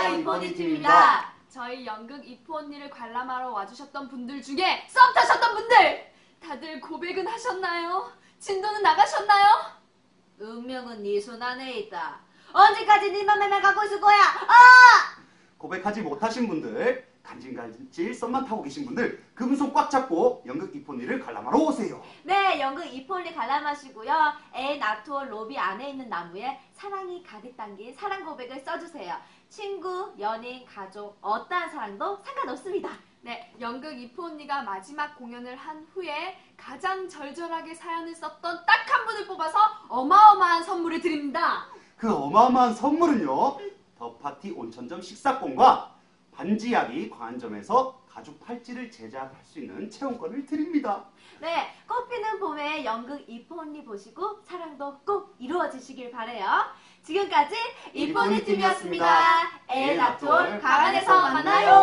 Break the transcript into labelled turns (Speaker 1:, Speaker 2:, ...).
Speaker 1: 안녕하세요, 이포니 팀입니다.
Speaker 2: 저희 연극 이포 언니를 관람하러 와주셨던 분들 중에 썸 타셨던 분들 다들 고백은 하셨나요? 진도는 나가셨나요?
Speaker 1: 운명은 네 손 안에 있다. 언제까지 네 맘에만 갖고 있을 거야?
Speaker 3: 고백하지 못하신 분들, 간질간질 썸만 타고 계신 분들, 그분 손 꽉 잡고 연극 이포니를 관람하러 오세요.
Speaker 1: 네, 연극 이포니 관람하시고요. 앤 아트홀 로비 안에 있는 나무에 사랑이 가득 담긴 사랑 고백을 써주세요. 친구, 연인, 가족, 어떠한 사랑도 상관없습니다.
Speaker 2: 네, 연극 이포 언니가 마지막 공연을 한 후에 가장 절절하게 사연을 썼던 딱 한 분을 뽑아서 어마어마한 선물을 드립니다.
Speaker 3: 그 어마어마한 선물은요, 더 파티 온천점 식사권과 반지하기 광안점에서 가죽 팔찌를 제작할 수 있는 체험권을 드립니다.
Speaker 1: 네, 꽃피는 봄에 연극 이포 언니 보시고 사랑도 꼭 이루어지시길 바래요. 지금까지 이포니 팀이었습니다. 앤 아트홀 광안에서 만나요.